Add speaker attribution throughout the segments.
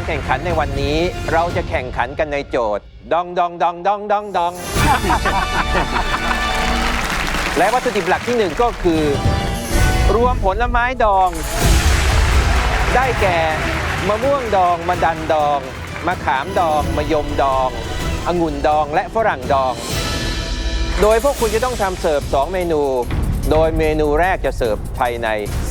Speaker 1: แข่งขันในวันนี้เราจะแข่งขันกันในโจทย์ดองดองดองดองดองดอง และวัตถุดิบหลักที่1ก็คือรวมผลไม้ดองได้แก่มะม่วงดองมะดันดองมะขามดองมะยมดององุ่นดองและฝรั่งดองโดยพวกคุณจะต้องทำเสิร์ฟ2เมนูโดยเมนูแรกจะเสิร์ฟภายใน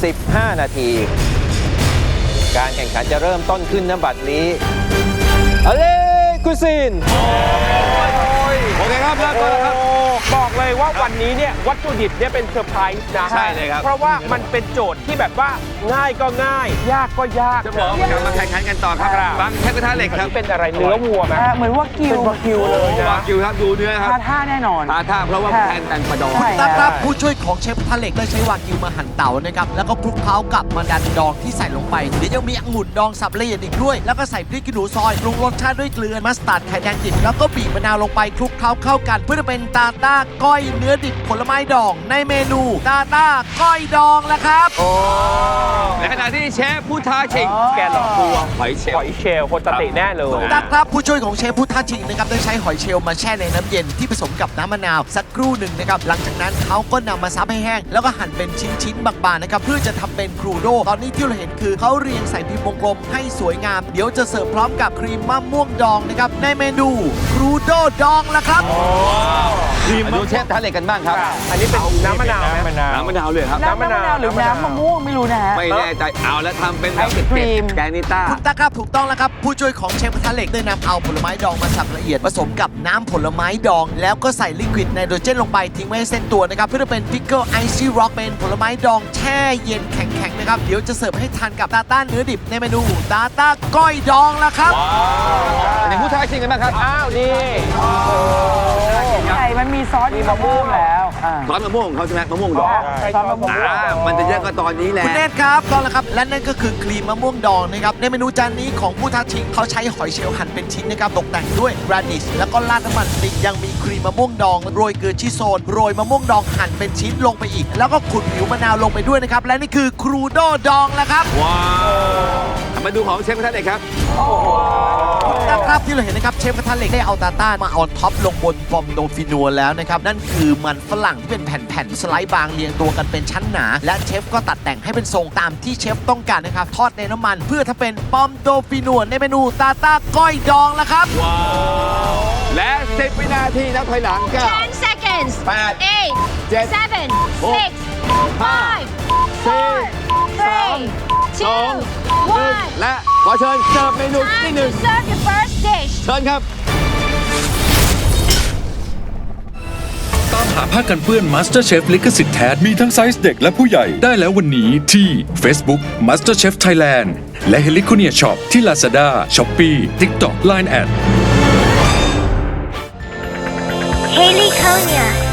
Speaker 1: 15นาทีการแข่งขันจะเริ่มต้นขึ้นณบัดนี้เอาเลยกุซิน
Speaker 2: โอเคครับเริ่มต้นแล้วครับ
Speaker 3: บอกเลยว่าวันนี้เนี่ยวัตถุดิบเนี่ยเป็นเซอร์ไพรส์นะ
Speaker 2: ใช่เลยครับ
Speaker 3: เพราะว่ามันเป็นโจทย์ที่แบบว่าง่ายก็ง่ายยากก็ยาก
Speaker 2: จะบอกว่ามาแข่งขันกันต่อครับบางเทพกระทะเหล็กครับ
Speaker 3: เป็นอะไรเนื้อวัวไหม
Speaker 4: เหมือนว่ากิว
Speaker 3: เป็นวากิวเลยนะ
Speaker 2: วากิวครับดูเนื้อครับ
Speaker 4: ท่าแน่นอน
Speaker 2: ท่าเพราะว่าแทนแต่งประดอง
Speaker 4: ใช่
Speaker 5: ครับผู้ช่วยของเชฟทะเหล็กได้ใช้วากิวมาหั่นเต่านะครับแล้วก็คลุกเคล้ากับมันดันดองที่ใส่ลงไปเดี๋ยวยังมีองุ่นดองสับละเอียดอีกด้วยแล้วก็ใส่พริกขี้หนูซอยปรุงรสชาติด้วยเกลือมัสตาร์ดไข่แดงดิบแล้วก็บีบมะนาวลงไปคลุกเคล้าเข้ากันเพื่อจะเป็นตาต้าก้อยเนื้อดิบผลไม้ดองในเมนูตาต้าก้อยดองแล้วครับ
Speaker 2: ในขณะที่เชฟผู้ท้าชิง
Speaker 3: แกหลอกตัว
Speaker 2: หอยเชล
Speaker 3: หอยเชลล์คนสติแน่เลย
Speaker 5: ครับผู้ช่วยของเชฟผู้ท้าชิงนะครับได้ใช้หอยเชลล์มาแช่ในน้ำเย็นที่ผสมกับน้ำมะนาวสักครู่หนึ่งนะครับหลังจากนั้นเขาก็นำมาซับให้แห้งแล้วก็หั่นเป็นชิ้นๆบางๆนะครับเพื่อจะทำเป็นครูโดตอนนี้ที่เราเห็นคือเขาเรียงใส่พิมพ์วงกลมให้สวยงามเดี๋ยวจะเสิร์ฟพร้อมกับครีมมะม่วงดองนะครับในเมนูครูโดดองแล้วครับ
Speaker 2: มาดูเชฟท้าเหล็กกันบ้างครับ
Speaker 3: อันนี้เป็นน้ำมะนาวไหม
Speaker 2: น้ำมะนาวเลยครับ
Speaker 4: น้ำมะนาวหรือน้ำมะม่วงไม่รู้นะฮะ
Speaker 2: ไม่แน่ใจเอาแล้วทำเป็นแบบ
Speaker 4: ไอศกรีม
Speaker 2: แกงนิต้า
Speaker 5: ถูกต้องครับถูกต้องแล้วครับผู้ช่วยของเชฟกระทะเหล็กได้นำเอาผลไม้ดองมาสับละเอียดผสมกับน้ำผลไม้ดองแล้วก็ใส่ลิควิดไนโตรเจนลงไปทิ้งไว้ให้เส้นตัวนะครับเพื่อเป็นพิกเกิลไอซี่ร็อกเป็นผลไม้ดองแช่เย็นแข็งๆนะครับเดี๋ยวจะเสิร์ฟให้ทานกับตาต้าเนื้อดิบในเมนูตาต้าก้อยดองแล้วครับ
Speaker 2: ในผู้ท้าชิงกันบ้างครับ
Speaker 3: อ้าวนี่
Speaker 4: ใช่มันมีซอสมีมะม่วงแล้วอ่า
Speaker 2: ซอสมะม่วงของเขาใช่ไหมมะม่วงดอง
Speaker 4: ซอสมะม่วง
Speaker 2: มันจะเยอะก็ตอนนี้แหละ
Speaker 5: คุณเนตครับต้องแล้วครับและนั่นก็คือครีมมะม่วงดองนะครับในเมนูจานนี้ของผู้ท้าชิงเขาใช้หอยเชลล์หั่นเป็นชิ้นนะครับตกแต่งด้วยราดิชแล้วก็ราดน้ำมันพริกยังมีครีมมะม่วงดองโรยเกลือชิโซนโรยมะม่วงดองหั่นเป็นชิ้นลงไปอีกแล้วก็ขุดผิวมะนาวลงไปด้วยนะครับและนี่คือครูโดดองแล้วครับ
Speaker 2: ว้าวมาดูของเชฟกระทะเหล็กครับ
Speaker 5: นะครับที่เราเห็นนะครับเชฟกระทะเหล็กได้เอาตาต้ามาออนท็อปลงบนฟอมโดฟินัวแล้วนะครับนั่นคือมันฝรั่งที่เป็นแผ่นๆสไลด์บางเรียงตัวกันเป็นชั้นหนาและเชฟก็ตัดแต่งให้เป็นทรงตามที่เชฟต้องการนะครับทอดในน้ำมันเพื่อทำเป็นปอมโดฟินัวในเมนูตาต้าก้อยดองแล้วครับ
Speaker 2: ว้าวและ10วินาทีนับถอยหลังก็
Speaker 6: 10 seconds.
Speaker 2: 8
Speaker 6: 8,
Speaker 2: 7
Speaker 6: 7,
Speaker 2: 6
Speaker 6: 6, 5, 4, 3, 2, 1.
Speaker 2: และขอเชิญเสิร์ฟเมนูที่
Speaker 6: Time
Speaker 2: หนึ่
Speaker 6: to
Speaker 2: ง
Speaker 6: serve your first dish.
Speaker 2: เชิญครับ
Speaker 7: ตามหาผ้ากันเปื้อน MasterChef ลิขสิทธิ์แท้มีทั้งไซส์เด็กและผู้ใหญ่ได้แล้ววันนี้ที่ Facebook MasterChef Thailand และ Heliconia Shop ที่ Lazada, Shopee, TikTok, Line@
Speaker 6: Haley Konya.